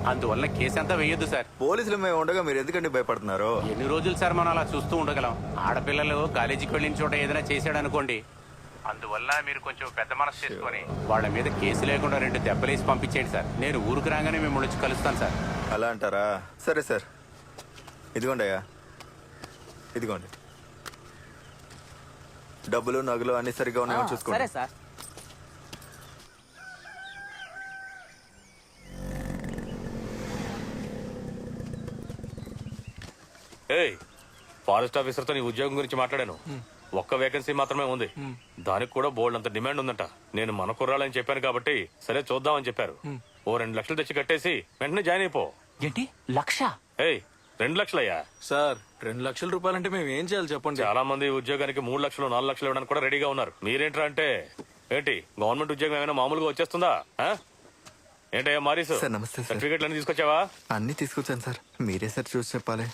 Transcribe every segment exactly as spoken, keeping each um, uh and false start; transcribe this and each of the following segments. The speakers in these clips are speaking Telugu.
అందువల్ల కేసు అంతా వేయొద్దు సార్. పోలీసులు మేము ఉండగా మీరు ఎందుకండి భయపడుతున్నారు? ఎన్ని రోజులు సార్ మనం అలా చూస్తూ ఉండగలం? ఆడపిల్లలు కాలేజీకి వెళ్ళిన చోట ఏదైనా చేశాడు అనుకోండి, అందువల్ల మీరు కొంచెం పెద్ద మనసు చేసుకొని వాళ్ళ మీద కేసు లేకుండా రెండు దెబ్బలేసి పంపించేయండి సార్. నేను ఊరికి రాగానే మిమ్మల్ని వచ్చి కలుస్తాను సార్. అలా అంటారా? సరే సార్, ఇదిగోండి అయ్యా, ఇదిగోండి డబ్బులు నగలు అన్ని సరిగ్గా ఉన్నాయో చూసుకోండి. సరే సార్. ఏయ్, ఫారెస్ట్ ఆఫీసర్తో నీ ఉద్యోగం గురించి మాట్లాడాను. ఒక్క వేకెన్సీ మాత్రమే ఉంది, దానికి కూడా బోల్డ్ అంత డిమాండ్ ఉందంట. నేను మన కుర్రాలని చెప్పాను కాబట్టి సరే చూద్దామని చెప్పారు. ఓ రెండు లక్షలు తెచ్చి కట్టేసి వెంటనే జాయిన్ అయిపో. ఏంటి లక్ష? ఏయ్, రెండు లక్షలయ్యా సార్. రెండు లక్షల రూపాయలంటే మేము ఏం చేయాలి చెప్పండి? చాలా మంది ఉద్యోగానికి మూడు లక్షలు నాలుగు లక్షలు ఇవ్వడానికి కూడా రెడీగా ఉన్నారు. మీరేంట్రా అంటే ఏంటి, గవర్నమెంట్ ఉద్యోగం ఏమైనా మామూలుగా వచ్చేస్తుందా? ఏంటయ్యా మారీసు, సార్ నమస్తే సార్. సర్టిఫికెట్లు అన్ని తీసుకొచ్చావా? అన్ని తీసుకొచ్చాను సార్, మీరే సార్ చూసి చెప్పాలి.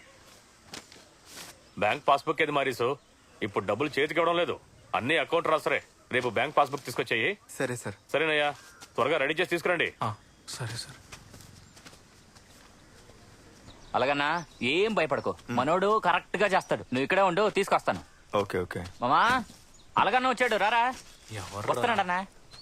బ్యాంక్ పాస్బుక్ ఏది మారీసు? ఇప్పుడు డబ్బులు చేతికి ఇవ్వడం లేదు, అన్ని అకౌంట్ రాసరే. రేపు బ్యాంక్ పాస్బుక్ తీసుకొచ్చాయి. సరే సార్. సరేనయ్యా, త్వరగా రెడీ చేసి తీసుకురండి. సరే సార్. అలాగన్నా ఏం భయపడకు, మనోడు కరెక్ట్ గా చేస్తాడు. నువ్వు ఇక్కడే ఉండు, తీసుకొస్తాను. Okay okay. మామా అలాగన్నా వచ్చాడు, రారా. వస్తున్నాడన్నా.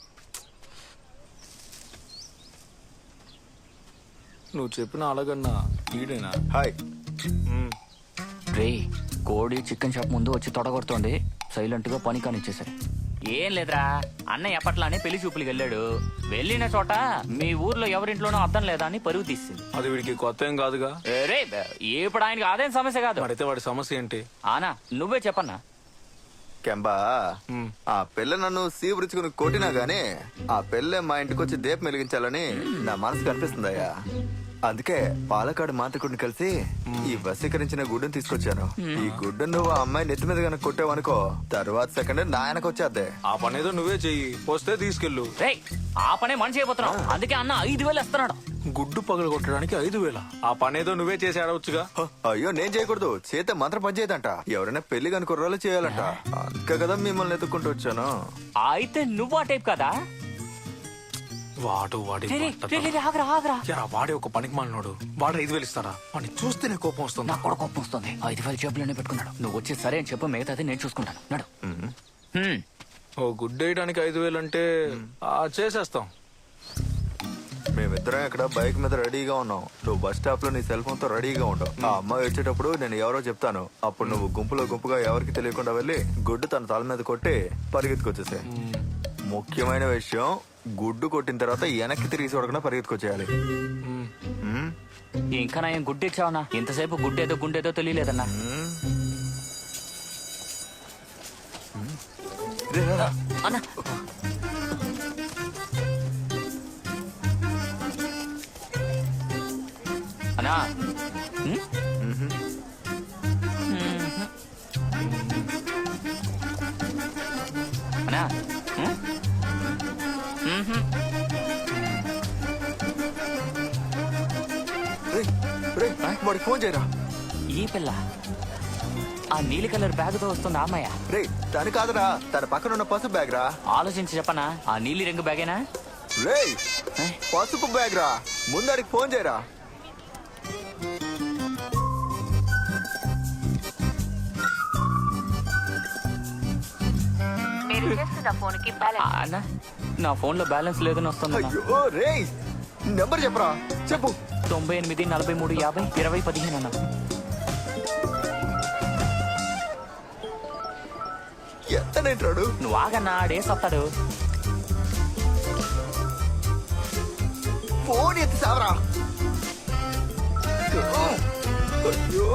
నువ్వు చెప్పిన అలాగన్నా ఈడేనా? హాయ్. రే, కోడి చికెన్ షాప్ ముందు వచ్చి తొడగొడుతోంది, సైలెంట్ గా పని కానిచ్చేసరి. ఏం లేదురా, అన్నయ్య ఎప్పట్లానే పెళ్లి చూపులకు వెళ్ళాడు. వెళ్ళిన చోట మీ ఊర్లో ఎవరింట్లోనో అర్థం లేదా అని పరుగు తీసింది. అది వీడికి కొత్త ఏం కాదుగా. రే, ఇప్పుడు ఆయనకి అదేం సమస్య కాదు. అయితే వాడి సమస్య ఏంటి? ఆనా నువ్వే చెప్పన్నా. కెంబా, ఆ పిల్ల నన్ను సీపురుచుకుని కొట్టినా గానీ ఆ పిల్ల మా ఇంటికి వచ్చి దీపం వెలిగించాలని నా మనసు కనిపిస్తుందయ్యా. అందుకే పాలకాడు మాంత్రికుడిని కలిసి ఈ వశీకరించిన గుడ్డును తీసుకొచ్చాను. ఈ గుడ్డు నువ్వు ఆ అమ్మాయి నెత్తి మీద కనుక కొట్టావనుకో, తర్వాత సెకండ్ నాయనకు వచ్చేద్దే. ఆ పని ఏదో నువ్వే చెయ్యి, వస్తే తీసుకెళ్ళు. రే, ఆ పనే మనిషి అయిపోతున్నావు, అందుకే అన్న ఐదు వేలు ఇస్తున్నాడు. గుడ్డు పగలు కొట్టడానికి ఐదు వేల? ఆ పని ఏదో నువ్వే చేసి ఆడవచ్చుగా. అయ్యో నేను చేయకూడదు, చేతే మంత్రం పనిచేయదంట. ఎవరైనా పెళ్లి కనుక కుర్రాళ్ళు చేయాలంట. అందుకే కదా మిమ్మల్ని ఎత్తుకుంటూ వచ్చాను. అయితే నువ్వు ఆ టైప్ కదా? వాడు వాడి వాడే ఒక పనికి మాలినోడు. వాడు ఐదు వేలు ఇస్తారా? వాడిని చూస్తేనే కోపం వస్తుంది. నాకు కూడా కోపం వస్తుంది. ఐదు వేలు జేబులోనే పెట్టుకున్నాడు. నువ్వు వచ్చి సరే అని చెప్పు, మిగతాది నేను చూసుకుంటాను. నడు. ఓ గుడ్డు వేయడానికి ఐదు వేలు అంటే చేసేస్తాం. మేమిద్దరం ఇక్కడ బైక్ మీద రెడీగా ఉన్నాం. నువ్వు బస్ స్టాప్ లో నీ సెల్ ఫోన్ తో రెడీగా ఉండవు. ఆ అమ్మాయి వచ్చేటప్పుడు నేను ఎవరో చెప్తాను. అప్పుడు నువ్వు గుంపులో గుంపుగా ఎవరికి తెలియకుండా వెళ్ళి గుడ్డు తన తల మీద కొట్టి పరిగెత్తుకొచ్చేసే. ముఖ్యమైన విషయం, గుడ్డు కొట్టిన తర్వాత వెనక్కి తిరిగి చూడకుండా పరిగెత్తుకొచ్చేయాలి. ఇంకా నా ఏం గుడ్డు ఇచ్చావనా? ఇంతసేపు గుడ్డేదో గుండేదో తెలియలేదన్నా. అన్నా అన్నా అన్నా వాడికి ఫోన్ చేయరా. ఈ పిల్ల ఆ నీలి కలర్ బ్యాగ్ తో వస్తుంది అమ్మాయ. రే తను కాదురా, తన పక్కన ఉన్న పసుపు బ్యాగ్ రా. ఆలోచించి చెప్పనా, ఆ నీలి రంగు బ్యాగేనా? రే పసుపు బ్యాగ్ రా, ముందడికి ఫోన్ చేయరా. అన్నా నా ఫోన్ లో బ్యాలెన్స్ లేదని వస్తుంది. అయ్యో రే, నెంబర్ చెప్పరా. చెప్పు. తొంభై ఎనిమిది నలభై మూడు యాభై ఇరవై పదిహేను అన్న. ఎంతనేంటాడు? నువ్వు ఆగన్నా, డేస్ వస్తాడు. ఫోన్ ఎత్తి సావరా. అయ్యో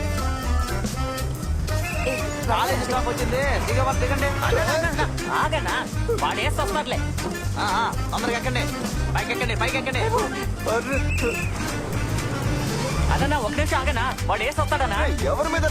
కాలేజ్ స్టాప్ వచ్చింది, దిగండి. ఆగన్నా, వాడు వేసి వస్తాడులే. అందరికి ఎక్కండి, పైకి ఎక్కండి, పైకి ఎక్కండి. అదన్నా ఒక నిమిషం ఆగనా, వాడు వేసి వస్తాడనా? ఎవరి మీద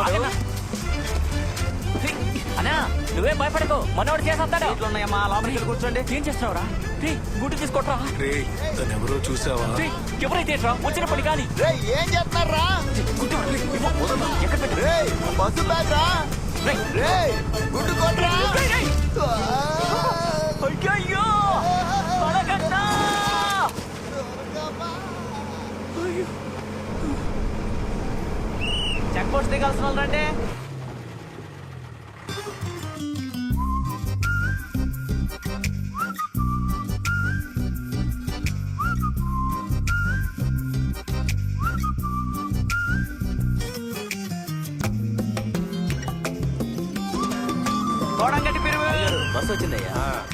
అన్నా నువ్వేం భయపడకు, మనోడు చేసేస్తాడు. ఉన్నాయమ్మా, లోపలికి కూర్చోండి. ఏం చేస్తున్నావురా? గుడ్డు తీసుకోట్రా. ఎవరో చూసావా? ఎవరైతే వచ్చిన పని కానీ ఏం చేస్తున్నారా? ఎక్కడ పెట్టు? బస్సు బ్యాగ్ రా. గుడ్డు కొట్రా. అయ్యో చెక్ పోస్ట్ దిగాల్సిన వాళ్ళు రండి. కోడంగట్టి పిరుగు బస్సు వచ్చిందయ్యా.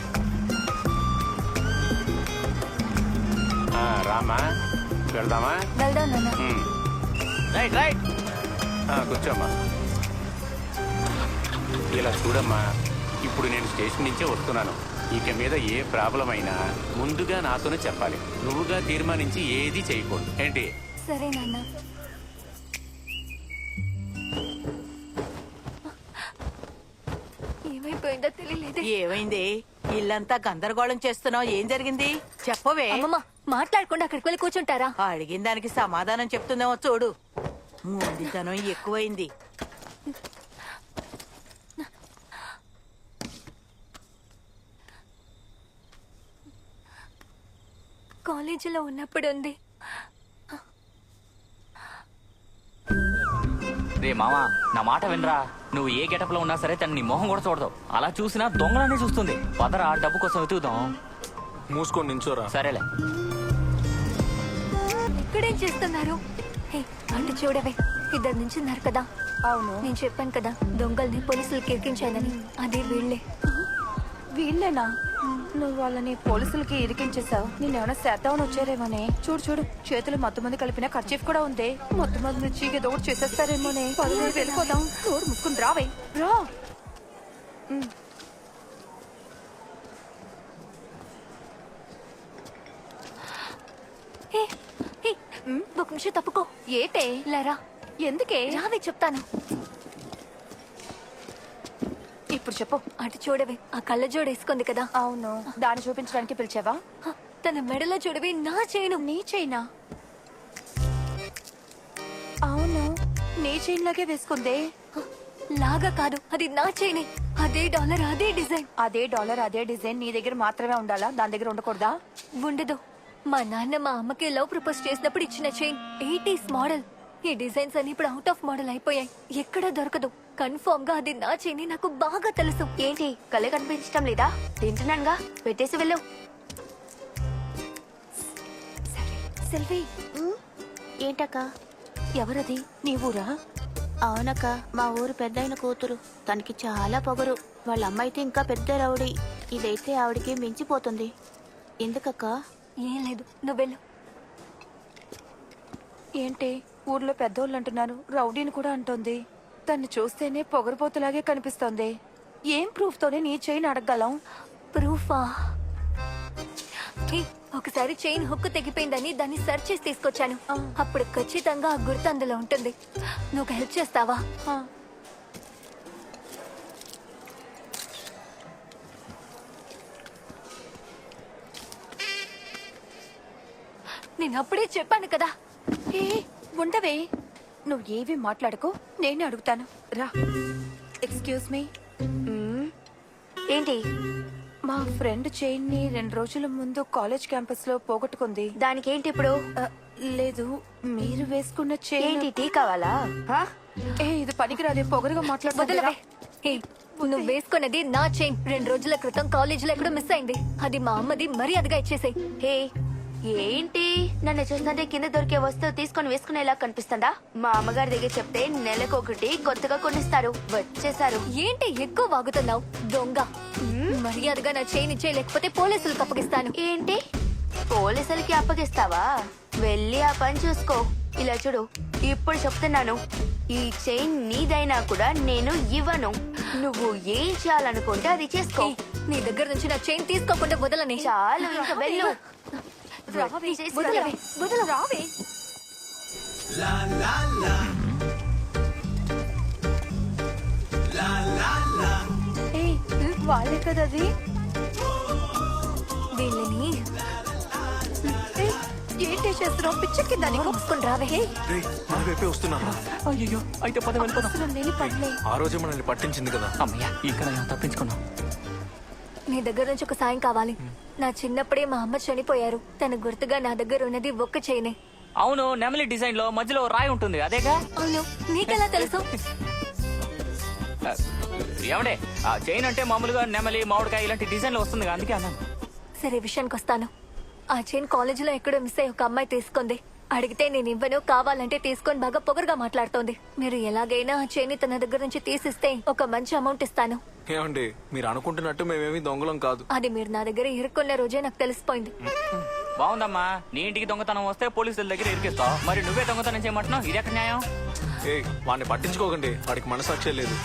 ఆ, రామా వెళ్దామా? వెళ్దాం నాన్న. ఉమ్. Right right. ఆ, కూర్చోమ్మా. ఇలా చూడమ్మా, ఇప్పుడు నేను స్టేషన్ నుంచే వస్తున్నాను. ఇక మీద ఏ ప్రాబ్లం అయినా ముందుగా నాతోనే చెప్పాలి. నువ్వుగా తీర్మానించి ఏది చేయకూడదు ఏంటి? సరే నాన్న. ఏమైపోయిందో తెలియలేదే. ఏమైంది? ఇల్లంతా గందరగోళం చేస్తున్నావు. ఏం జరిగింది చెప్పవే. అమ్మమ్మ మాట్లాడకుండా అక్కడికి వెళ్ళి కూర్చుంటారా? అడిగిన దానికి సమాధానం చెప్తుందేమో చూడు. మొండితనం ఎక్కువైంది. కాలేజీలో ఉన్నప్పుడు ఉంది. రే మామా, నా మాట వినరా. నువ్వు ఏ గెటప్ లో ఉన్నా సరే తను నీ మొహం కూడా చూడదు. అలా చూసినా దొంగలనే చూస్తుంది. పదరా, డబ్బు కోసం వెతుకుదాం. మూసుకొని నించోరా. సరేలే. ఇక్కడేం చేస్తున్నారు? హే, అటు చూడవే, ఇద్దరు నుంచి ఉన్నారు కదా. అవును, నేను చెప్పాను కదా దొంగల్ని పోలీసులకి ఎక్కించానని. అదే వీళ్ళే. వీళ్ళేనా? నువ్వు వాళ్ళని పోలీసులకి ఇరికించేసావు. నేనేమైనా చేద్దామని వచ్చారేమోనే. చూడు చూడు, చేతులు మత్తు మంది కలిపిన ఖర్చీఫ్ కూడా ఉంది. మత్తు మంది చీకి దోడు చేసేస్తారేమోనే. పదవి వెళ్ళిపోదాం. నోరు ముక్కుని రావే, రా. ఉమ్. హే, హే, ఒక నిమిషం తప్పుకో. ఏటే? లేరా, ఎందుకే? రావే చెప్తాను. ఇప్పుడు చెప్పు. అటు చూడవే, ఆ కళ్ళజోడు వేసుకుంది కదా. అవును, దాన్ని చూపించడానికి పిలిచావా? హ, తన మెడలో చూడవే నా చైను. నీ చైనా? అవును, నీ చైన్ లాగే వేసుకుందే. హ, లాగా కాదు, అది నా చైనే. అదే డాలర్, అదే డిజైన్. అదే డాలర్, అదే డిజైన్ నీ దగ్గర మాత్రమే ఉండాలా? దాని దగ్గర ఉండకూడదా? ఉండదు. మా నాన్న మా అమ్మకి లవ్ ప్రపోజ్ చేసినప్పుడు ఇచ్చిన చైన్ ఎయిటీస్ మోడల్. ఈ డిజైన్స్ అన్ని ఇప్పుడు అవుట్ ఆఫ్ మోడల్ అయిపోయాయి. ఎక్కడా దొరకదు. కన్ఫర్మ్ గా అది నా చైన్ నాకు బాగా తెలుసు. ఏంటి కళ్ళే కనిపించటం లేదా? తింటున్నానుగా, పెట్టేసి వెళ్ళు. సెల్వి, ఏంటక్క? ఎవరది? నీ ఊరా? అవునక్క, మా ఊరు పెద్దయిన కూతురు. తనకి చాలా పొగరు. వాళ్ళ అమ్మ అయితే ఇంకా పెద్ద రౌడీ. ఇదైతే ఆవిడికి మించిపోతుంది. ఎందుకక్క? ఏం లేదు, నువ్వు వెళ్ళు. ఏంటి ఊర్లో పెద్దోళ్ళు అంటున్నారు, రౌడీని కూడా అంటోంది. తన్ని చూస్తేనే పొగరుపోతులాగే కనిపిస్తోంది. ఏం ప్రూఫ్ తోనే నీ చైన్ అడగగలం? ప్రూఫా? హే, ఒకసారి చైన్ హుక్ తెగిపోయిందని దాన్ని సర్చ్ చేసి తీసుకొచ్చాను. అప్పుడు ఖచ్చితంగా ఆ గుర్తు అందులో ఉంటుంది. నువ్వు హెల్ప్ చేస్తావా? ఆ, నేను అప్పుడే చెప్పాను కదా. ఏ ఉండవే, నువ్వు ఏవి మాట్లాడుకో, నేను అడుగుతాను. రా. Excuse me. ఏంటి? మా ఫ్రెండ్ చైన్ ని రెండు రోజుల ముందు కాలేజ్ క్యాంపస్ లో పోగొట్టుకుంది. దానికేంటి ఇప్పుడు? ఆ, లేదు, మీరు వేసుకున్న చైన్. ఏంటి టీ కావాలా? హా? ఏ ఇది పనికిరాదే, పొగరుగా మాట్లాడుతుందిరా. వదలవే. హే, నువ్వు వేసుకున్నది నా చైన్. రెండు రోజుల క్రితం కాలేజీలో ఎక్కడో మిస్ అయింది. అది మా అమ్మది, మర్యాదగా ఇచ్చేసాయి. హే, ఏంటి నన్ను చూస్తుంటే కింద దొరికే వస్తువు తీసుకొని వేసుకునేలా కనిపిస్తుందా? మా అమ్మగారి దగ్గర చెప్తే నెలకొకటి కొత్తగా కొనిస్తారు. వచ్చేసారు. ఏంటి ఎక్కువ వాగుతున్నావు? దొంగ. మర్యాదగా నా చైన్ ఇచ్చే, లేకపోతే పోలీసులకు అప్పగిస్తాను. ఏంటి పోలీసులకి అప్పగిస్తావా? వెళ్ళి ఆ పని చూసుకో. ఇలా చూడు, ఇప్పుడు చెప్తున్నాను, ఈ చైన్ నీదైనా కూడా నేను ఇవ్వను. నువ్వు ఏం చేయాలనుకుంటే అది చేసుకో. హే, నీ దగ్గర నుంచి నా చైన్ తీసుకోకుండా వదలని. చాలు, ఇంకా వెళ్ళు. రావే, వదలవే, వదల రావే. ఏ వాళ్ళే కదా అది. వీళ్ళని ఏ, ఏంటి చేస్తున్నావు? పిచ్చెక్కిందా దాన్ని నీకు? మూసుకొని రావే. రే, మన వైపే వస్తున్నారు. అయ్యో, అయితే పద వెళ్ళిపోదాం. అసలు నేను పడలే. ఆ రోజే మనల్ని పట్టించింది కదా. అమ్మయ్య, ఇక్కడ తప్పించుకున్నాం. నీ దగ్గర నుంచి ఒక సాయం కావాలి. నా చిన్నప్పుడే మా అమ్మ చనిపోయారు. తన గుర్తుగా నా దగ్గర ఉన్నది ఒక్క చైనే. అవును, నెమలి డిజైన్ లో మధ్యలో రాయి ఉంటుంది అదేగా. అవును, నీకెలా తెలుసు? ఆ, ఏమండే ఆ చైన్ అంటే మామూలుగా నెమలి మామిడికాయ ఇలాంటి డిజైన్లు వస్తుంది అందుకే అన్నాను. సరే విషయానికి వస్తాను. ఆ చైన్ కాలేజీలో ఎక్కడో మిస్ అయ్యి ఒక అమ్మాయి తీసుకుంది. అడిగితే నేను ఇవ్వను, కావాలంటే తీసుకొని బాగా పొగరుగా మాట్లాడుతోంది. మీరు ఎలాగైనా ఆ చైన్ తన దగ్గర నుంచి తీసిస్తే ఒక మంచి అమౌంట్ ఇస్తాను. ఏమండి మీరు అనుకుంటున్నట్టు మేమేమి దొంగలం కాదు. అది మీరు నా దగ్గర ఇరుక్కున్న రోజే నాకు తెలిసిపోయింది. బాగుందమ్మా, నీ ఇంటికి దొంగతనం వస్తే పోలీసుల దగ్గర ఇరికిస్తావు, మరి నువ్వే దొంగతనం చేయమంటున్నావు, ఇది ఎక్కడ న్యాయం? ఏ వాడిని పట్టించుకోకండి, వాడికి మనసాక్షే లేదు.